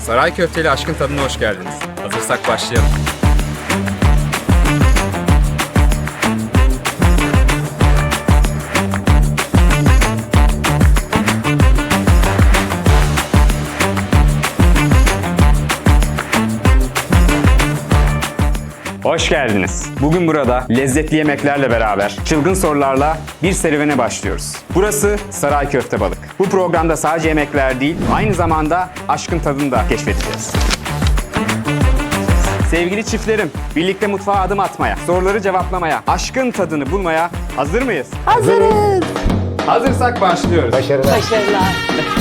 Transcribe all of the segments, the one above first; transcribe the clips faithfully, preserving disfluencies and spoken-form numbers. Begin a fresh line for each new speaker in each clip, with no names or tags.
Saray Köfteli Aşkın Tadına hoş geldiniz. Hazırsak başlayalım. Hoş geldiniz. Bugün burada lezzetli yemeklerle beraber çılgın sorularla bir serüvene başlıyoruz. Burası Saray Köfte Balık. Bu programda sadece yemekler değil, aynı zamanda aşkın tadını da keşfedeceğiz. Sevgili çiftlerim, birlikte mutfağa adım atmaya, soruları cevaplamaya, aşkın tadını bulmaya hazır mıyız?
Hazırız.
Hazırsak başlıyoruz.
Başarılar. Başarılar.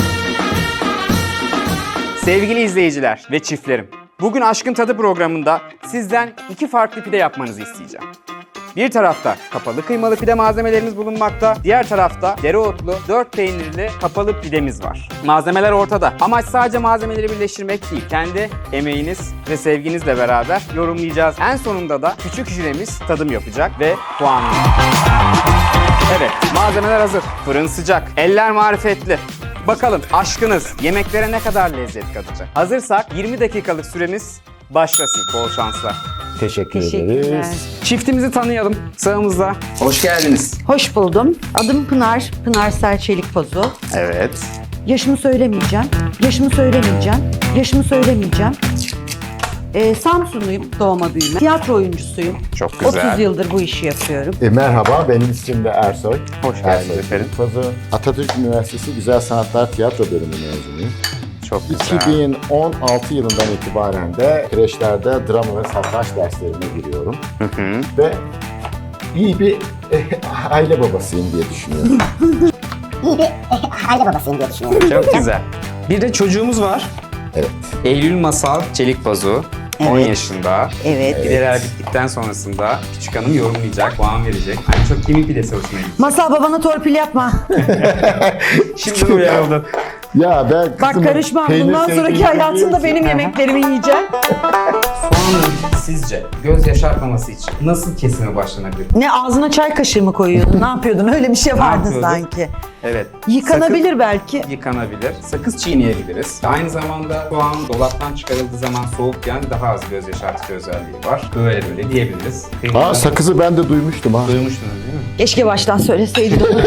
Sevgili izleyiciler ve çiftlerim, bugün Aşkın Tadı programında sizden iki farklı pide yapmanızı isteyeceğim. Bir tarafta kapalı kıymalı pide malzemelerimiz bulunmakta, diğer tarafta dereotlu, dört peynirli kapalı pidemiz var. Malzemeler ortada. Amaç sadece malzemeleri birleştirmek değil, kendi emeğiniz ve sevginizle beraber yorumlayacağız. En sonunda da küçük jüremiz tadım yapacak ve puanlayacak. Evet, malzemeler hazır. Fırın sıcak, eller marifetli. Bakalım aşkınız yemeklere ne kadar lezzet katacak? Hazırsak yirmi dakikalık süremiz başlasın. Bol şanslar.
Teşekkür
Teşekkürler.
ederiz.
Çiftimizi tanıyalım sağımızda. Hoş geldiniz.
Hoş buldum. Adım Pınar. Pınar Serçelik Pozu.
Evet.
Yaşımı söylemeyeceğim. Yaşımı söylemeyeceğim. Yaşımı söylemeyeceğim. Ee, Samsunluyum doğma büyüme. Tiyatro oyuncusuyum.
Çok güzel.
otuz yıldır bu işi yapıyorum.
E, merhaba, benim ismim de Ersoy.
Hoş geldiniz
Ersoy
efendim.
Fazı. Atatürk Üniversitesi Güzel Sanatlar Tiyatro Bölümü mezunuyum.
Çok güzel.
iki bin on altı yılından itibaren de kreşlerde drama ve satranç derslerine giriyorum.
Hı hı.
Ve iyi bir e, aile babasıyım diye düşünüyorum.
iyi bir aile babasıyım diye düşünüyorum.
Çok güzel. Bir de çocuğumuz var.
Evet.
Eylül Masal Çelik Pazu. on
Evet.
yaşında.
Evet.
Pideler bittikten sonrasında küçük hanım yorumlayacak, puan verecek. En çok kimin pidesi hoşuna gitti?
Masal babana torpil yapma.
Şimdi uyarıldı.
Ya ben
Bak
kızımın
karışmam.
peynir
Bundan
sevdiğini
sonraki hayatında
biliyorsun.
benim yemeklerimi yiyeceğim.
Soğanın sizce göz yaşartmaması için nasıl kesime başlanabilir?
Ne ağzına çay kaşığı mı koyuyordun? Ne yapıyordun? Öyle bir şey
Ne
vardı
yapıyorduk?
sanki.
Evet.
Yıkanabilir belki.
Sakız yıkanabilir. Sakız çiğneyebiliriz. Aynı zamanda soğan dolaptan çıkarıldığı zaman soğukken daha az göz yaşartıcı özelliği var. Böyle böyle diyebiliriz.
Aa, sakızı ben de duymuştum ha.
Duymuştunuz değil mi?
Keşke baştan söyleseydin onu.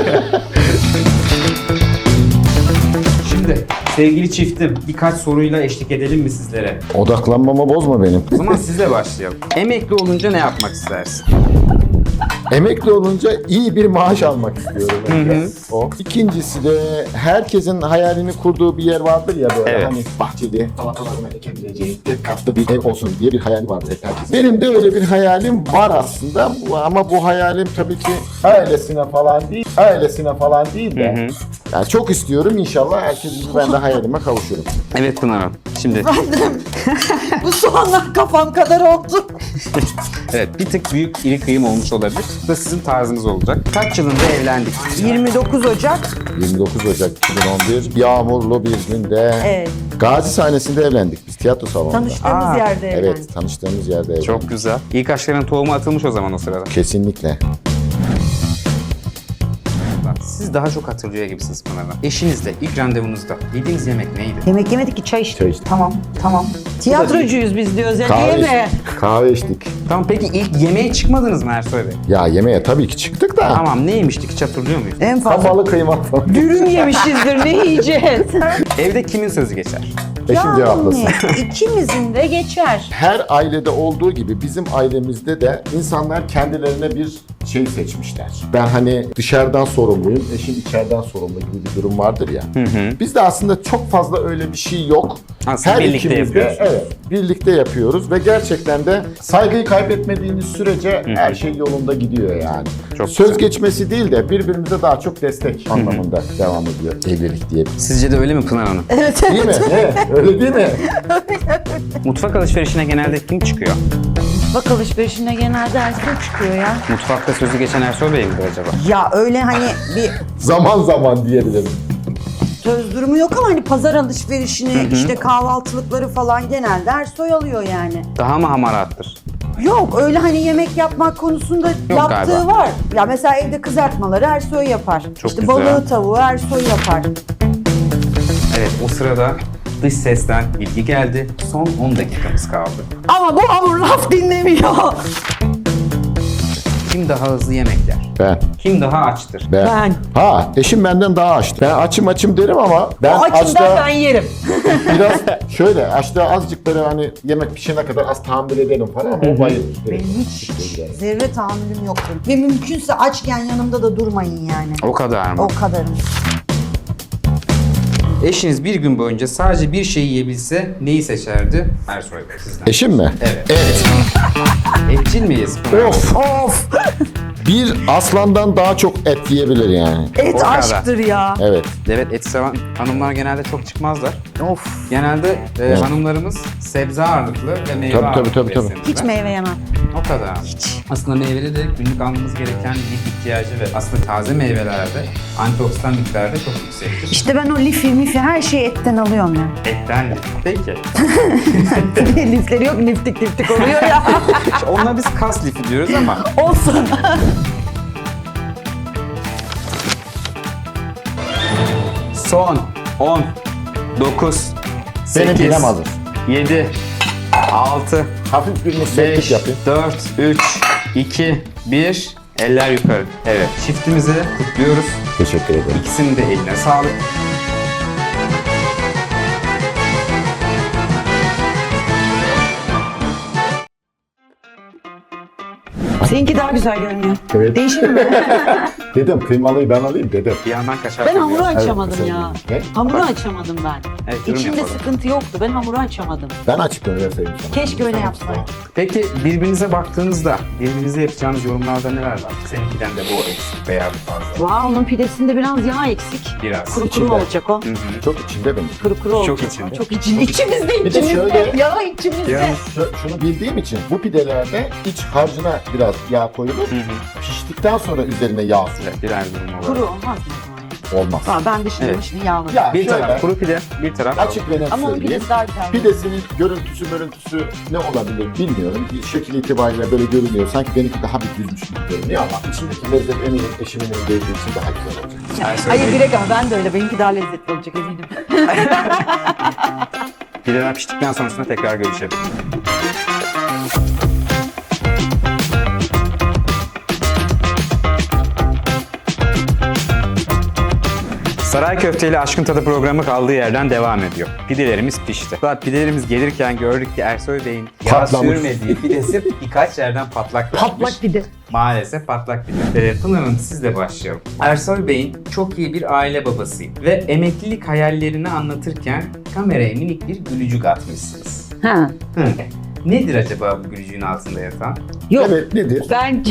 Şimdi sevgili çiftim birkaç soruyla eşlik edelim mi sizlere?
Odaklanmamı bozma benim.
O zaman sizle başlayalım. Emekli olunca ne yapmak istersin?
Emekli olunca iyi bir maaş almak istiyorum. önce. O. İkincisi de herkesin hayalini kurduğu bir yer vardır ya böyle
Evet.
hani bahçeli, salatalarını ekebileceği, tek katlı bir ev olsun diye bir hayal vardır herkesin. Benim de öyle bir hayalim var aslında Bu- ama bu hayalim tabii ki ailesine falan değil, ailesine falan değil de yani çok istiyorum inşallah herkes gibi ben de hayalime kavuşurum.
Evet Pınar Hanım. Şimdi
Bu soğanlar kafam kadar oldu.
evet bir tık büyük iri kıyım olmuş olabilir. Bu da sizin tarzınız olacak. Kaç yılında evlendik?
yirmi dokuz Ocak.
yirmi dokuz Ocak iki bin on bir yağmurlu bir günde
Evet.
Gazi sahnesinde evlendik biz tiyatro salonunda.
Tanıştığımız
Aa,
yerde evlendik.
Evet, tanıştığımız yerde evlendik.
Çok güzel. İlk aşkların tohumu atılmış o zaman o sırada.
Kesinlikle.
Siz daha çok hatırlıyor gibisiniz Pınar Hanım. Eşinizle ilk randevunuzda yediğiniz yemek neydi?
Yemek yemedik ki çay içtik.
Çay içtik.
Tamam, tamam. Tiyatrocuyuz biz diyoruz ya.
Kahve
Yeme.
içtik. Kahve içtik.
Tamam peki ilk yemeğe çıkmadınız mı Ersoy Bey?
Ya yemeğe tabii ki çıktık da.
Tamam ne yemiştik hiç hatırlıyor muyuz?
En fazla
Kapalı kıyma falan.
dürüm yemişizdir. Ne yiyeceğiz?
Evde kimin sözü geçer?
Eşim cevaplasın.
ikimizin de geçer.
Her ailede olduğu gibi bizim ailemizde de insanlar kendilerine bir şey seçmişler. Ben hani dışarıdan sorumluyum, eşim içeriden sorumlu gibi bir durum vardır ya. Bizde aslında çok fazla öyle bir şey yok.
Aslında birlikte
ikimiz de,
yapıyorsunuz.
evet, birlikte yapıyoruz ve gerçekten de saygıyı kaybetmediğiniz sürece her şey yolunda gidiyor yani.
Çok
Söz
güzel.
geçmesi değil de birbirimize daha çok destek anlamında devam ediyor evlilik diye.
Sizce de öyle mi Pınar Hanım?
Değil mi? Ne? Öyle değil mi?
Mutfak alışverişine genelde kim çıkıyor?
Bak alışverişinde genelde Ersoy çıkıyor ya.
Mutfakta sözü geçen Ersoy Bey midir acaba?
Ya öyle hani bir
Zaman zaman diyebilirim.
söz durumu yok ama hani pazar alışverişini, işte kahvaltılıkları falan genelde Ersoy alıyor yani.
Daha mı hamarattır?
Yok öyle hani yemek yapmak konusunda yaptığı
galiba.
var. Ya mesela evde kızartmaları Ersoy yapar.
Çok
işte
güzel.
balığı tavuğu Ersoy yapar.
Evet o sırada Dış sesten bilgi geldi. Son on dakikamız kaldı.
Ama bu hamur laf dinlemiyor.
Kim daha hızlı yemek yer?
Ben.
Kim daha açtır?
Ben.
Ben.
Ha, eşim benden daha açtı. Ben açım açım derim ama ben
O açımdan
açta
ben yerim.
biraz şöyle açta azıcık böyle hani yemek pişene kadar az tahammül ederim falan ama o bayılır.
Benim hiç zerre tahammülüm yoktur. Ve mümkünse açken yanımda da durmayın yani.
O kadar mı?
O kadarım.
Eşiniz bir gün boyunca sadece bir şey yiyebilse neyi seçerdi? Ersoy Bey sizden.
Eşim mi?
Evet.
Evet.
Etçil miyiz?
Of.
Of!
Bir aslandan daha çok et yiyebilir yani.
O
Et
kadar.
aşktır ya.
Evet.
Evet, et seven hanımlar genelde çok çıkmaz.
Of!
Genelde e, hanımlarımız sebze ağırlıklı ve meyve
Tabii, tabii,
ağırlıklı
tabii, tabii.
beslenirler.
Hiç meyve yemem.
O kadar. Hiç. Aslında meyvede de günlük almamız gereken lif ihtiyacı ve aslında taze meyvelerde antioksidan miktarı da çok yüksektir.
İşte ben o lifi mifi her şeyi etten alıyorum ya.
Etten lif. Peki.
Lifleri yok, liftik liftik oluyor ya.
Onunla biz kas lifi diyoruz ama
Olsun.
son on, dokuz,
Benim
sekiz,
bilem hazır.
yedi, altı,
Hafif bir müsveddik
beş,
yapayım.
dört, üç, iki, bir. Eller yukarı. Evet, çiftimizi kutluyoruz.
Teşekkür ederim.
İkisinin de eline sağlık.
Seninki daha güzel görünüyor.
Evet.
Değişir mi?
Dedim kıymalıyı ben alayım dedim.
Bir yandan kaşar
Ben
koyuyoruz.
hamuru açamadım
Evet,
ya.
Ne?
Hamuru açamadım ben.
Evet, yorum
İçimde
yapalım.
sıkıntı yoktu. Ben hamuru açamadım.
Ben açıklıyorum verseydim sana.
Keşke öyle yapsaydım.
Peki birbirinize baktığınızda birbirinize yapacağınız yorumlarda neler var? Seninkiden de bu eksik veya bu fazla.
Vay, onun pidesinde biraz yağ eksik.
Biraz.
Kuru kuru
İçinde.
olacak o.
Hı hı.
Çok içinde benim.
Kuru kuru
Çok
olacak.
içinde.
Çok içinde. İçimizde,
Bir de
içimizde.
şöyle-
Yağ içimizde.
Yani-
Şu- Şunu bildiğim için bu pidelerde iç harcına biraz yağ koyulur.
Hı hı.
Piştikten sonra üzerine yağ sürülür.
Evet, birer durum olarak.
Kuru olmaz mı?
Olmaz.
Ha, ben dışını
Evet.
dışını yağladım.
Ya
Bir
şöyle,
taraf kuru pide, bir taraf
açık ve net
Ama onun
söyleyeyim.
pidesi daha güzel.
Pidesinin görüntüsü görüntüsü ne olabilir bilmiyorum. Bir şekil itibariyle böyle görünüyor. Sanki benimki daha bir düzmüş gibi görünüyor ama içindeki lezzet eminim eşimin elinde için daha güzel olacak.
Ersoy
Hayır
Bey,
direkt ama ben de öyle. Benimki daha lezzetli olacak eminim.
pideler piştikten sonrasında tekrar görüşelim. Saray Köfte ile Aşkın Tadı programı kaldığı yerden devam ediyor. Pidelerimiz pişti. Fakat pidelerimiz gelirken gördük ki Ersoy Bey'in yağ
Patlamış.
sürmediği pidesi birkaç yerden patlak vermiş.
Patlak pide.
Maalesef patlak pide. Ee, Pınar Hanım sizle başlayalım. Ersoy Bey'in çok iyi bir aile babasıyım ve emeklilik hayallerini anlatırken kameraya minik bir gülücük atmışsınız.
Ha.
Hı. Nedir acaba bu gülücüğün altında yatan?
Yok.
Evet nedir?
Ben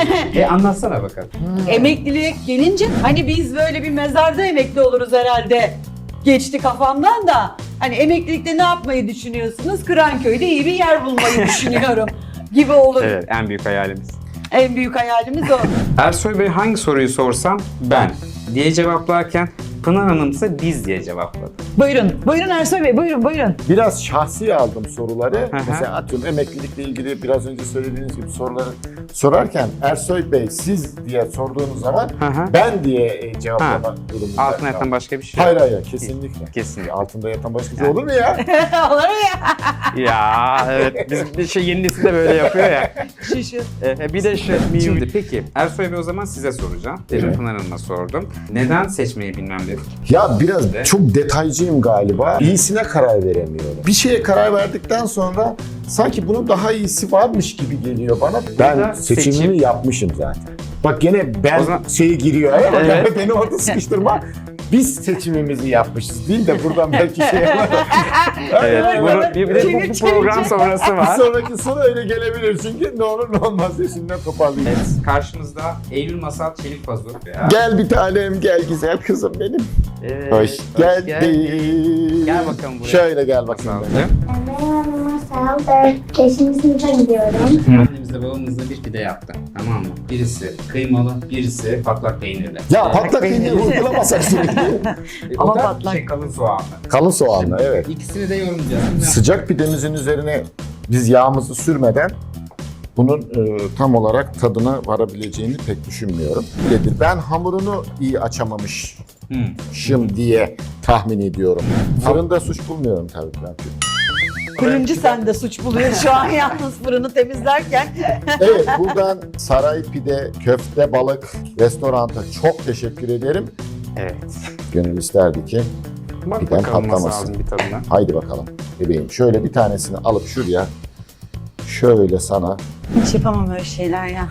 E anlatsana bakalım.
emekliliğe gelince hani biz böyle bir mezarda emekli oluruz herhalde. Geçti kafamdan da. Hani emeklilikte ne yapmayı düşünüyorsunuz? Kıranköy'de iyi bir yer bulmayı düşünüyorum gibi olur.
Evet, en büyük hayalimiz.
En büyük hayalimiz o.
Ersoy Bey hangi soruyu sorsam ben diye cevaplarken Pınar Hanım ise biz diye cevapladı.
Buyurun. Buyurun Ersoy Bey. Buyurun buyurun.
Biraz şahsi aldım soruları.
hı.
Mesela atıyorum emeklilikle ilgili biraz önce söylediğiniz gibi soruları sorarken Ersoy Bey siz diye sorduğunuz zaman
Hı hı.
ben diye e, cevaplama durumunda.
Altına yatan başka bir şey
Hayır
yok.
hayır kesinlikle.
Kesinlikle.
Altında yatan başka bir şey olur mu ya?
Olur mu ya?
Ya evet biz bir şey yeni nesil de böyle yapıyor ya.
Şu şu.
E, bir de şu. Şimdi peki Ersoy Bey o zaman size soracağım. Demin Pınar Hanım'a sordum. Neden seçmeyi bilmem dedik.
Ya biraz
De.
çok detaycıyım galiba. İyisine karar veremiyorum. Bir şeye karar verdikten sonra sanki bunun daha iyisi varmış gibi geliyor bana. Ben
da
seçimimi
seçim.
yapmışım zaten. Bak gene ben
O zaman-
şeyi giriyor. Evet.
Evet.
Beni orada sıkıştırma. Biz seçimimizi yapmışız değil de buradan belki şey var.
Evet, bunu, bir, bir de bu, bu program sonrası
Bir
var.
sonraki soru öyle gelebilir çünkü ne olur ne olmaz diye şimdiden toparlayayım.
Evet, karşımızda Eylül Masal Çelik Pazu. Ya.
Gel bir tanem gel güzel kızım benim.
Evet,
Hoş geldin.
geldin. Gel bakalım buraya.
Şöyle gel bakayım.
Masalcığım.
Ben Masal, dört beşinci sınıfa gidiyorum.
Annemizle babamızla bir pide yaptı. Tamam mı? Birisi kıymalı, birisi patlak peynirli.
Ya patlak peyniri uygulamasak sürekli.
E,
Ama
o da
patlak.
şey kalın soğanlı.
Kalın soğanlı evet.
İkisini de yorumlayacağız.
Sıcak pidemizin üzerine biz yağımızı sürmeden bunun e, tam olarak tadına varabileceğini pek düşünmüyorum. Nedir? Ben hamurunu iyi açamamışım
Hmm.
diye tahmin ediyorum. Fırında suç bulmuyorum tabii ben.
Fırıncı sende suç buluyor şu an yalnız fırını temizlerken.
Evet, buradan Saray Pide, Köfte Balık Restorant'a çok teşekkür ederim.
Evet.
Gönül isterdi ki
Bak
pidem
bakalım nasıl
patlamasın.
ağzın bir tadına.
Haydi bakalım bebeğim. Şöyle bir tanesini alıp şuraya şöyle sana
Hiç yapamam öyle şeyler ya.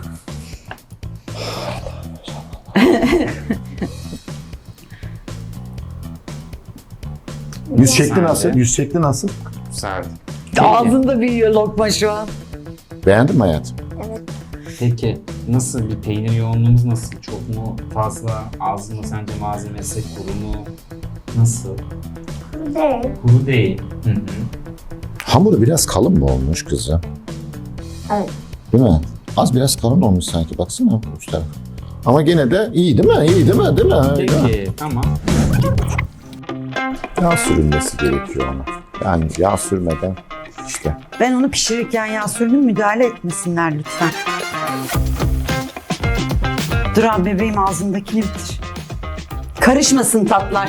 yüz şekli
Sade.
nasıl? Yüz şekli nasıl?
Güzel.
Ağzında büyüyor lokma şu an.
Beğendin mi hayatım?
Peki nasıl bir peynir yoğunluğumuz nasıl? Çok mu fazla? Az mı sence malzemesi? Kuru mu? Nasıl?
Değil.
Kuru değil. Hı hı.
Hamuru biraz kalın mı olmuş kızım?
Evet.
Değil mi? Az biraz kalın olmuş sanki. Baksana uç taraf. Ama gene de iyi değil mi? İyi değil mi? Değil mi? Değil mi?
Peki tamam.
Yağ sürülmesi gerekiyor ona. Yani yağ sürmeden işte.
Ben onu pişirirken yağ sürdüm, müdahale etmesinler lütfen. Dur abi bebeğim ağzındakini bitir. Karışmasın tatlar.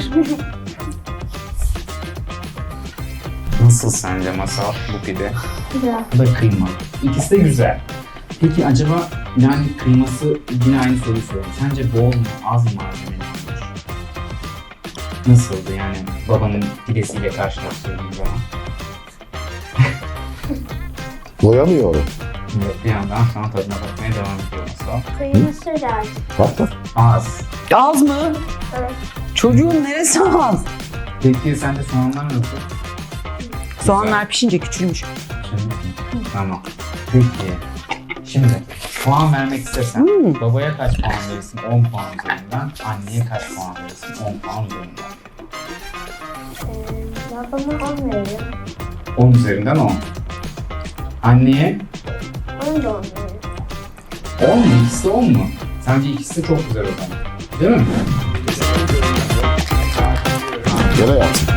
Nasıl sence Masal bu pide?
Güzel.
Bu da kıyma. İkisi de güzel. Peki acaba yani kıyması yine aynı soruyu soruyorum. Sence bol mu az mı malzemeli olmuş? Nasıldı yani babanın pidesiyle karşılaştırdığın zaman?
Doyamıyorum.
Bir yandan sana tadına bakmaya devam ediyor Masal.
Kıyması da az.
Bak bak.
Az.
Az mı?
Evet.
Çocuğun neresi az?
Peki sence soğanlar nasıl?
Soğanlar pişince küçülmüş.
Şimdi, tamam. Peki. Şimdi puan vermek istesen
Hmm.
babaya kaç puan verirsin? on puan üzerinden. Anneye kaç puan verirsin? on puan üzerinden.
Ee, babama on veririm.
on üzerinden on. Anneye
on da on veririm.
on mu? İkisi de on mu? Sence ikisi de çok güzel o zaman. Değil mi?
Gel hayatım.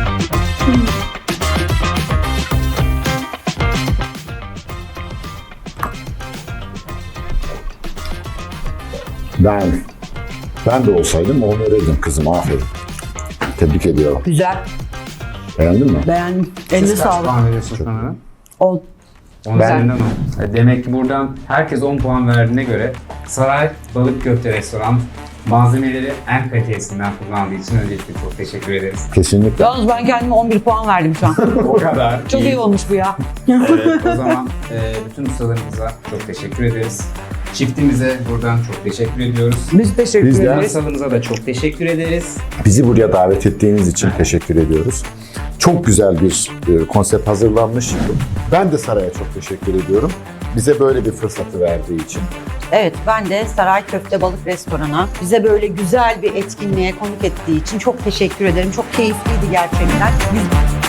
Ben, ben de olsaydım onu verirdim kızım. Aferin. Tebrik ediyorum.
Güzel.
Beğendin mi?
Beğendim. Eline
Siz kaç
sağlık.
puan veriyorsun sana?
On.
on üzerinden on. E, Demek ki buradan herkes on puan verdiğine göre Saray Balık Köfte Restoran malzemeleri en kalitelisinden kullandığı için öncelikle çok teşekkür ederiz.
Kesinlikle.
Yalnız ben kendime on bir puan verdim şu an.
O kadar.
Çok iyi olmuş bu ya.
Evet, o zaman e, bütün ustalarımıza çok teşekkür ederiz. Çiftimize buradan çok teşekkür ediyoruz.
Biz teşekkür
Biz de-
ederiz.
Masalımıza da çok teşekkür ederiz.
Bizi buraya davet ettiğiniz için teşekkür ediyoruz. Çok güzel bir e, konsept hazırlanmış. Ben de Saray'a çok teşekkür ediyorum. Bize böyle bir fırsatı verdiği için.
Evet, ben de Saray Köfte Balık Restoran'a bize böyle güzel bir etkinliğe konuk ettiği için çok teşekkür ederim. Çok keyifliydi gerçekten. Biz